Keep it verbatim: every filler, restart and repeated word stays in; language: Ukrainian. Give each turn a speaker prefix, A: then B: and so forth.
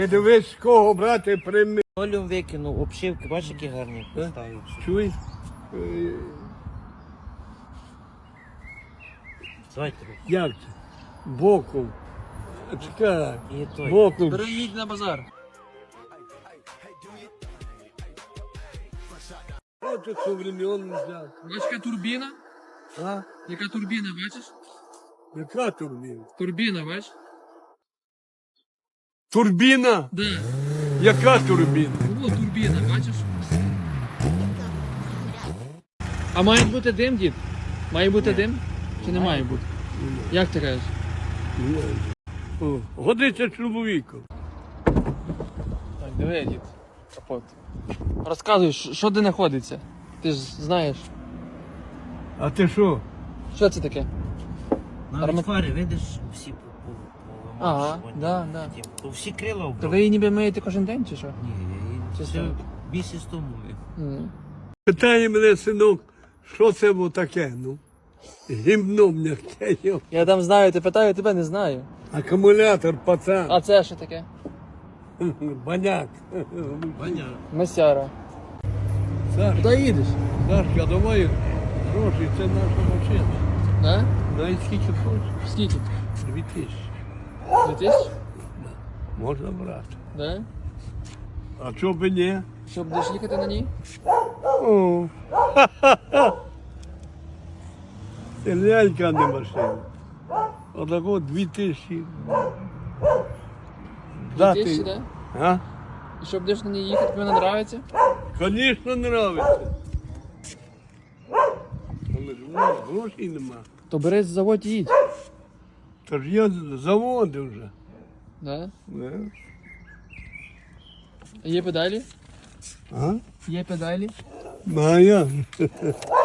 A: Не дивись, з кого брати прими.
B: Олю викинув, обшивки, бачиш, які гарні поставив.
A: Чуєш? Е,
B: Давайте руку.
A: Як це? Боком. Чекай.
B: І той.
A: Боком.
C: Переїдь на базар.
A: Що це современний взяв?
C: Бачиш, яка турбіна?
A: А?
C: Яка турбіна, бачиш?
A: Яка турбіна?
C: Турбіна, бачиш?
A: Турбіна?
C: Да.
A: Яка турбіна?
C: О, турбіна, бачиш? А має бути дим, дід? Має бути дим? Чи не має бути? Як ти кажеш?
A: О, годиться чоловіком.
C: Так, диви, дід. Капот. Розказуй, що що де знаходиться? Ти ж знаєш.
A: А ти що?
C: Що це таке?
B: Навіть
C: Арма-
B: фари, видиш, всі
C: Ага,
B: поламавши.
C: да, да.
B: То всі крила
C: То
B: обрали.
C: ви її ніби миєте кожен день, чи що?
B: Ні, я її
C: Чи
B: все
C: що?
B: місяць тому мив.
C: М.
A: Питає мене синок, що це було таке, ну? Гімно м'яке,
C: Я там знаю, ти питаю, тебе не знаю.
A: акумулятор, пацан,
C: А це що таке?
A: баняк.
B: Понятно.
C: Месяра.
A: Саш,
C: Куди їдеш?
A: Сашка, давай гроші, це наша машина.
C: Да?
A: Навіть скільки хочеш?
C: Скільки?
A: Дві тисячі.
C: Дві тисячі?
A: Можна брати.
C: Да?
A: А чого б ні?
C: Що, будеш їхати на ній?
A: О. Це лялька, а не машина. Отако дві тисячі.
C: Дві тисячі, да?
A: А?
C: І що будеш на ній їхати, тобі вона нравиться?
A: Звісно, нравиться. Але ж у нас грошей нема.
C: То бери заводь і їдь.
A: Та ж я заводив вже.
C: Да?
A: Да.
C: Є педалі?
A: А?
C: Є педалі?
A: Ну, а я?